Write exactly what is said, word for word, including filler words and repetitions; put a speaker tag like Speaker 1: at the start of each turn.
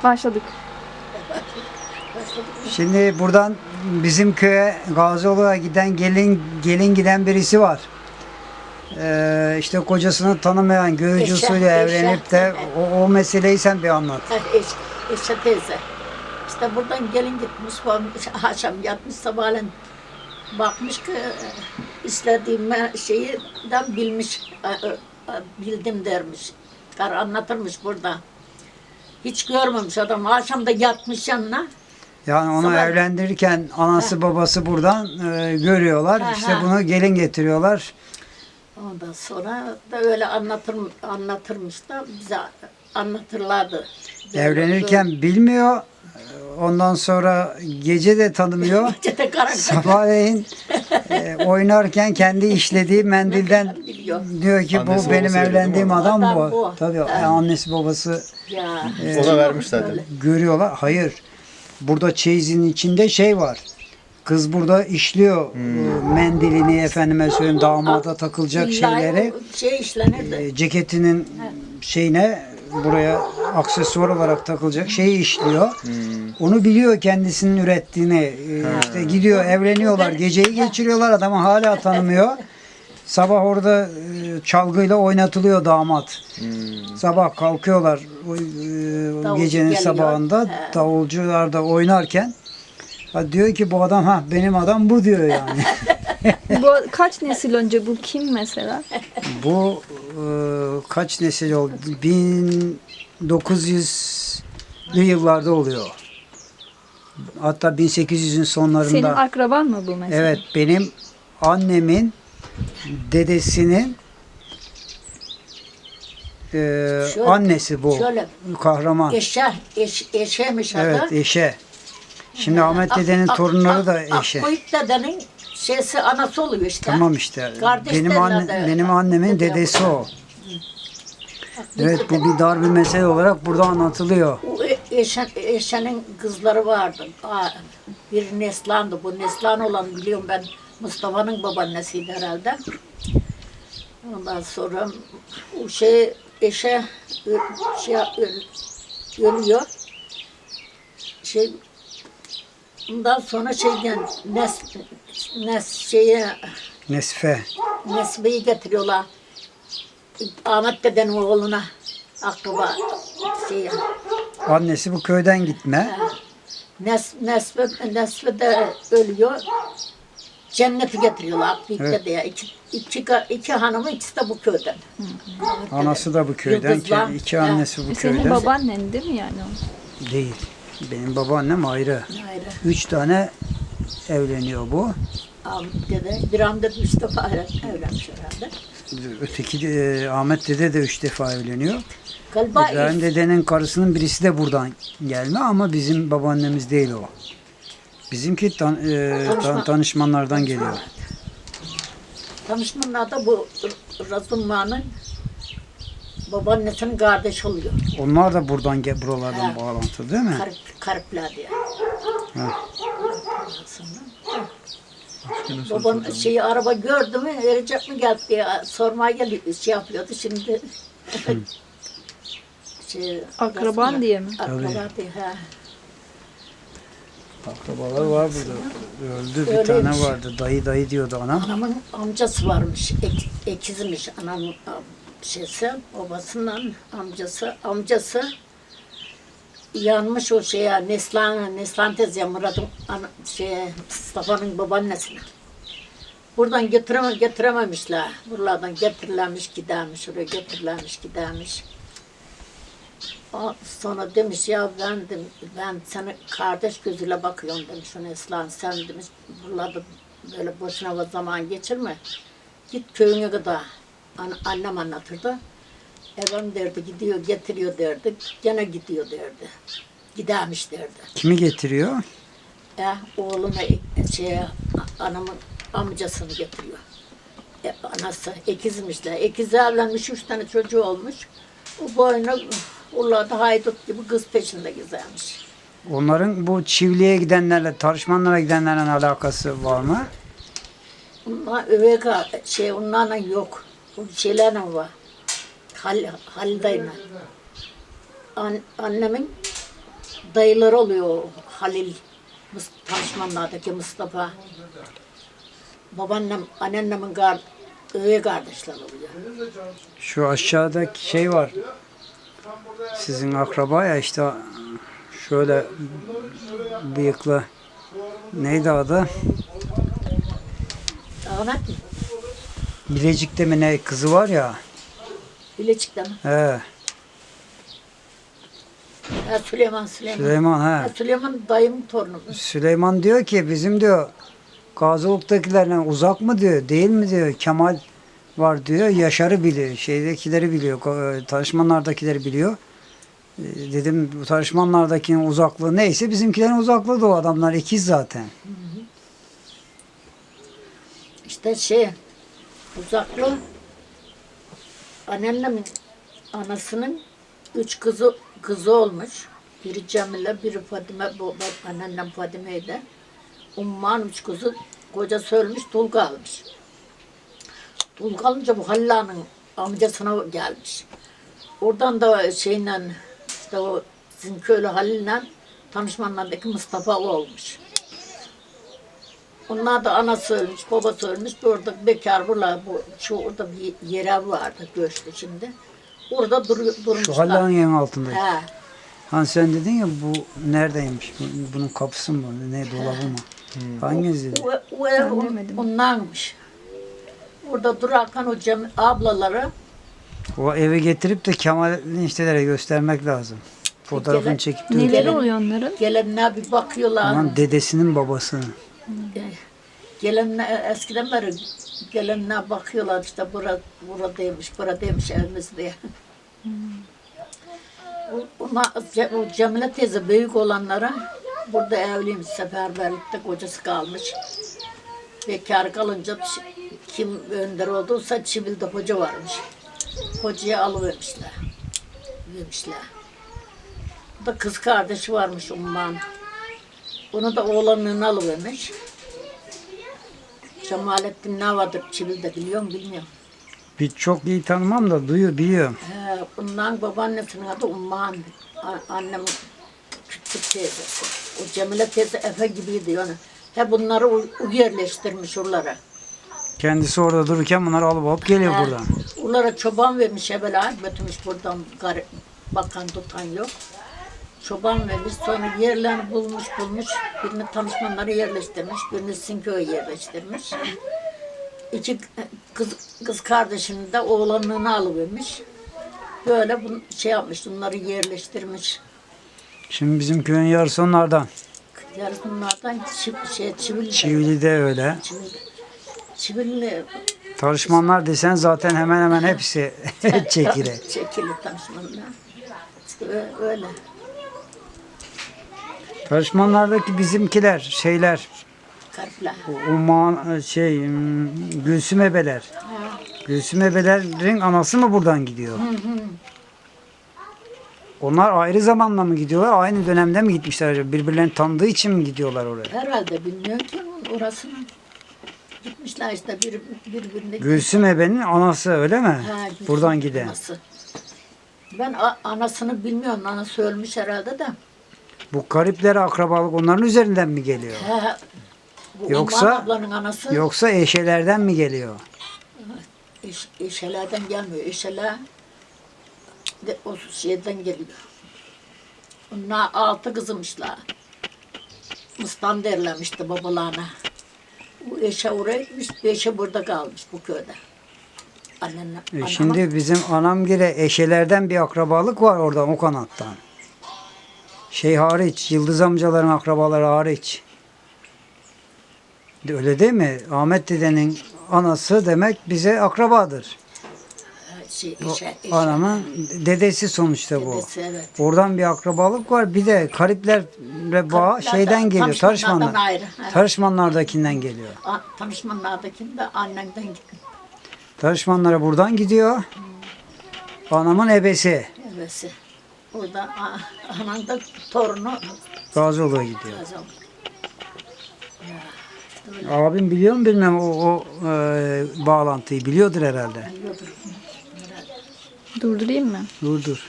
Speaker 1: Başladık.
Speaker 2: Şimdi buradan bizim köye Gazioğlu'na giden gelin gelin giden birisi var. Ee, işte kocasını tanımayan görücü
Speaker 3: Eşe,
Speaker 2: usulü evlenip de
Speaker 3: eşe.
Speaker 2: o, o meseleyi sen bir anlat.
Speaker 3: Ha, Eş, eşe teyze. İşte buradan gelin gitmiş, varmış, akşam yatmış, sabahleyin bakmış ki istediğim şeyi de bilmiş, bildim dermiş. Kar anlatırmış burada. Hiç görmemiş adam. Akşam da yatmış yanına.
Speaker 2: Yani onu
Speaker 3: Sabah-
Speaker 2: evlendirirken anası babası buradan e, görüyorlar.
Speaker 3: Ha,
Speaker 2: İşte
Speaker 3: ha.
Speaker 2: bunu gelin getiriyorlar.
Speaker 3: Ondan sonra da öyle anlatır, anlatırmış da bize anlatırlardı. Böyle,
Speaker 2: Evlenirken bilmiyor. Ondan sonra gece de tanımıyor.
Speaker 3: böyle. Gece de karanlık
Speaker 2: Sabahleyin e, oynarken kendi işlediği mendilden
Speaker 3: biliyor.
Speaker 2: diyor ki
Speaker 4: Annesi,
Speaker 2: bu benim
Speaker 4: babası öyle değil
Speaker 2: evlendiğim
Speaker 4: mi?
Speaker 2: adam
Speaker 3: Adam
Speaker 2: bu.
Speaker 3: bu.
Speaker 2: Tabii
Speaker 3: Ha.
Speaker 2: annesi babası
Speaker 3: Ya.
Speaker 4: Ona vermiş zaten.
Speaker 3: Böyle.
Speaker 2: görüyorlar. Hayır. Burada çeyizin içinde şey var. Kız burada işliyor
Speaker 4: Hmm.
Speaker 2: e, mendilini, efendime söyleyeyim, damada takılacak
Speaker 3: İlla
Speaker 2: şeyleri.
Speaker 3: o Şey işlenirdi.
Speaker 2: E, ceketinin şeyine, buraya aksesuar olarak takılacak şeyi işliyor.
Speaker 4: Hmm.
Speaker 2: Onu biliyor kendisinin ürettiğini. E, işte gidiyor, evleniyorlar, geceyi geçiriyorlar, adamı hala tanımıyor. Sabah orada e, çalgıyla oynatılıyor damat.
Speaker 4: Hmm.
Speaker 2: Sabah kalkıyorlar o, e,
Speaker 3: Davulcu
Speaker 2: gecenin
Speaker 3: geliyor.
Speaker 2: sabahında
Speaker 3: He.
Speaker 2: davulcular da oynarken ha, diyor ki bu adam, ha benim adam bu diyor yani.
Speaker 1: Bu kaç nesil önce, bu kim mesela?
Speaker 2: Bu e, kaç nesil oldu? bin dokuz yüzlü yıllarda oluyor. Hatta bin sekiz yüzün sonlarında.
Speaker 1: Senin akraban mı bu mesela?
Speaker 2: Evet, benim annemin dedesinin e,
Speaker 3: Şöyle-
Speaker 2: annesi bu.
Speaker 3: şöyle.
Speaker 2: Kahraman.
Speaker 3: Eşe, eş, eşemiş adı.
Speaker 2: Evet, eşe. Şimdi Ahmet dedenin
Speaker 3: Ak-
Speaker 2: torunları
Speaker 3: Ak-
Speaker 2: da
Speaker 3: Ak-
Speaker 2: eşe.
Speaker 3: Akkoyuk dedenin şeysi anası oluyor işte.
Speaker 2: Tamam işte.
Speaker 3: Kardeş
Speaker 2: Benim
Speaker 3: derler
Speaker 2: anne,
Speaker 3: de.
Speaker 2: benim annemin
Speaker 3: Dede
Speaker 2: dedesi o.
Speaker 3: Akkoyuk
Speaker 2: Evet,
Speaker 3: dede.
Speaker 2: bu bir dar bir mesele olarak burada anlatılıyor.
Speaker 3: O e- eşe, eşenin kızları vardı. Aa, bir Neslan'dı. Bu Neslan olan biliyorum ben, Mustafa'nın babaannesiydi herhalde. Ondan sonra o şey eşe ö- şey ö- ölüyor. Şey ondan sonra şeyden Nes Nes şeye
Speaker 2: Nesfe.
Speaker 3: Nesbe'yi getiriyorlar. Ahmet dedenin oğluna akraba şeye.
Speaker 2: Annesi bu köyden gitme.
Speaker 3: Nes, Nesbe, Nesbe de ölüyor. Cenneti getiriyorlar Akbik'te
Speaker 2: Evet.
Speaker 3: diye. İki, iki, iki hanımı ikisi de bu köyden.
Speaker 2: Anası da bu köyden.
Speaker 3: Yıldızlar.
Speaker 2: İki annesi bu
Speaker 1: E, Senin
Speaker 2: köyden.
Speaker 1: babaannen değil mi yani o?
Speaker 2: Değil. Benim babaannem ayrı.
Speaker 3: Ayrı.
Speaker 2: Üç tane evleniyor bu.
Speaker 3: Ahmet dede, bir anda üç defa evlenmiş herhalde.
Speaker 2: Öteki de, Ahmet dede de üç defa evleniyor.
Speaker 3: Galiba
Speaker 2: İbrahim
Speaker 3: ilk-
Speaker 2: dedenin karısının birisi de buradan gelme ama bizim babaannemiz değil o. Bizimki tan, e, tan-
Speaker 3: Tanışma.
Speaker 2: tanışmanlardan geliyor.
Speaker 3: tanışmanlar da bu Razumman'ın babaannesinin kardeşi oluyor.
Speaker 2: Onlar da buradan ge- buralardan
Speaker 3: Ha.
Speaker 2: bağlantılı değil mi?
Speaker 3: Karip, Karipler diye.
Speaker 2: Ha.
Speaker 3: Babam şeyi araba gördü mü verecek mi geldi diye sormaya geliyor, şey yapıyordu şimdi. şey,
Speaker 1: Akraban
Speaker 3: Razumman-
Speaker 1: diye mi?
Speaker 3: Akraba diye ha.
Speaker 2: Akrabalar var burada. Öldü bir
Speaker 3: Öyleymiş.
Speaker 2: tane vardı. Dayı dayı diyordu anam.
Speaker 3: Anamın amcası varmış, ek, ekizmiş anamın am- şeysi, babasının amcası, amcası yanmış o şeye, Neslan, Neslan teyze Murat'ın ana, şeye, Mustafa'nın babaannesine. Buradan getireme, getirememişler. Buralardan getirilenmiş gidermiş, oraya getirilenmiş gidermiş. O sonra demiş ya ben de, ben sana kardeş gözüyle bakıyorum demiş o Neslan, sen demiş buralarda böyle boşuna zaman geçirme. Git köyüne kadar. An, annem anlatırdı. Efendim derdi gidiyor getiriyor derdi. Gene gidiyor derdi. Gidermiş derdi.
Speaker 2: Kimi getiriyor?
Speaker 3: E, oğlunu e, şeye, anamın amcasını getiriyor. E, anası ekizmişler. Ekizi evlenmiş, üç tane çocuğu olmuş. O boyuna Urla'da haydut gibi kız peşinde gezermiş.
Speaker 2: Onların bu çiftliğe gidenlerle, tarışmanlara gidenlerle alakası var mı?
Speaker 3: Onlar öveka şey onlarla yok. O şeylerle var. Hal, Halide'yle. An, annemin dayıları oluyor. Halil, Mus- Tanışmanlardaki Mustafa. Babaannem, anneannemin kar, öğe kardeşler oluyor.
Speaker 2: Şu aşağıdaki şey var. Sizin akraba ya işte şöyle bıyıklı. Neydi adı?
Speaker 3: Ahmet mi?
Speaker 2: Bilecik'te mi ne kızı var ya.
Speaker 3: Bilecik'te mi?
Speaker 2: He,
Speaker 3: Ha, Süleyman, Süleyman.
Speaker 2: Süleyman
Speaker 3: Ha,
Speaker 2: he.
Speaker 3: Süleyman dayımın torunu.
Speaker 2: Süleyman diyor ki bizim diyor Gazoluk'takilerle uzak mı diyor, değil mi diyor. Kemal var diyor. Yaşar'ı biliyor. Şeydekileri biliyor. ko- Tanışmanlardakileri biliyor. E, Dedim bu tanışmanlardakinin uzaklığı neyse bizimkilerin uzaklığı da o adamlar ikiz zaten.
Speaker 3: İşte şey, uzaklı anneannemin anasının üç kızı kızı olmuş. Biri Cemile, biri Fadime, bu bu anneannem Fadime'ydi. Umman üç kızı, kocası ölmüş, dul kalmış. Dul kalınca bu Halla'nın amcasına gelmiş. Oradan da şeyle, işte o sizin köylü Halil'le tanışmanlardaki Mustafa o olmuş. Onlar da anası ölmüş, babası ölmüş. Orada bekar buralar, bu, şu orada bir yere vardı göçtü şimdi. Orada dur, durmuşlar.
Speaker 2: Şu Halla'nın yerin altındaki.
Speaker 3: He.
Speaker 2: Hani sen dedin ya bu neredeymiş? Bu- Bunun kapısı mı? Ne dolabı mı? Hangisi dedi?
Speaker 3: O, o ev on-
Speaker 1: Anlamadım.
Speaker 3: ondanmış. Orada durarken o Cem, ablaları
Speaker 2: O evi getirip de Kemal'in işlere göstermek lazım. Fotoğrafını
Speaker 3: Gele-
Speaker 2: çekip de
Speaker 1: Neleri
Speaker 2: öyle.
Speaker 1: oluyor onların?
Speaker 3: gelenler bir bakıyorlar.
Speaker 2: Aman dedesinin babasını.
Speaker 3: Gelenler eskiden beri gelenler bakıyorlar işte bura buradaymış, buradaymış evimiz diye. O, ona, Ce- o Cemile teyze büyük olanlara burada evliymiş, seferberlikte kocası kalmış. Bekar kalınca ç- kim önder olduysa Çivil'de hoca varmış. Hocaya alıvermişler. Vermişler. Bu da kız kardeşi varmış Umman. Onu da oğlanlığına alıvermiş. Cemalettin ne vardır Çivil'de biliyor musun bilmiyorum.
Speaker 2: Bir çok iyi tanımam da duyuyor, biliyorum.
Speaker 3: He, bundan babaannesinin adı Umman. A- Annemin küçük teyzesi. O Cemile teyze Efe gibiydi yani. He bunları u- u yerleştirmiş oralara.
Speaker 2: Kendisi orada dururken bunları alıp alıp geliyor
Speaker 3: He,
Speaker 2: buradan.
Speaker 3: Onlara çoban vermiş evvela. Götürmüş buradan gar- bakan tutan yok. Çoban vermiş sonra yerlerini bulmuş bulmuş. Birini tanışmanları yerleştirmiş. Birini Sinköy'e yerleştirmiş. İki kız, kız kardeşini de oğlanlığına alıvermiş. Böyle bunu şey yapmış, bunları yerleştirmiş.
Speaker 2: Şimdi bizim köyün yarısı onlardan.
Speaker 3: Yarısı bunlardan çiv, şey, çivili.
Speaker 2: Çivili'de öyle.
Speaker 3: Çivili. Çivili
Speaker 2: Tanışmanlar desen zaten hemen hemen hepsi çekire.
Speaker 3: çekili tanışmanlar. İşte ö- öyle.
Speaker 2: Tanışmanlardaki bizimkiler, şeyler,
Speaker 3: Karpla.
Speaker 2: Umman şey, hmm, Gülsüm Ebeler. Gülsüm Ebelerin anası mı buradan gidiyor? Onlar ayrı zamanla mı gidiyorlar? Aynı dönemde mi gitmişler acaba? Birbirlerini tanıdığı için mi gidiyorlar oraya?
Speaker 3: Herhalde bilmiyorum ki orasını. Gitmişler işte bir, birbirine.
Speaker 2: Gülsüm Ebe'nin anası öyle mi?
Speaker 3: Ha, Gülsüm
Speaker 2: Buradan giden.
Speaker 3: anası. Ben a- anasını bilmiyorum. Anası ölmüş herhalde de.
Speaker 2: Bu garipler akrabalık onların üzerinden mi geliyor?
Speaker 3: He, bu
Speaker 2: Yoksa-
Speaker 3: Umman ablanın anası
Speaker 2: Yoksa eşelerden mi geliyor?
Speaker 3: eş, eşelerden gelmiyor. Eşeler de o şeyden geliyor. Onlar altı kızımışlar. Mıstan derlemişti babalarına. Bu eşe oraya gitmiş, bir eşe burada kalmış bu köyde. Annemle,
Speaker 2: E
Speaker 3: anama-
Speaker 2: şimdi bizim anamgile eşelerden bir akrabalık var oradan o kanattan. Şey hariç, Yıldız amcaların akrabaları hariç. De- Öyle değil mi? Ahmet dedenin anası demek bize akrabadır.
Speaker 3: şey,
Speaker 2: O
Speaker 3: eşe, eşe.
Speaker 2: anamın dedesi sonuçta bu.
Speaker 3: Dedesi, evet.
Speaker 2: Oradan bir akrabalık var. Bir de gariplerle bağ
Speaker 3: Gariplerden,
Speaker 2: şeyden geliyor.
Speaker 3: tanışmanlardan
Speaker 2: Tarışmanlar.
Speaker 3: ayrı, evet.
Speaker 2: Tarışmanlardakinden geliyor.
Speaker 3: A- Tanışmanlardaki de annemden gitti.
Speaker 2: Tarışmanlara buradan gidiyor. Anamın ebesi
Speaker 3: Evesi. Orada a- anam da torunu
Speaker 2: Gazioğlu'ya gidiyor.
Speaker 3: kazandı.
Speaker 2: Abim biliyor mu bilmem o, o e, bağlantıyı biliyordur herhalde.
Speaker 3: Biliyordur.
Speaker 1: Durdurayım mı?
Speaker 2: Dur dur.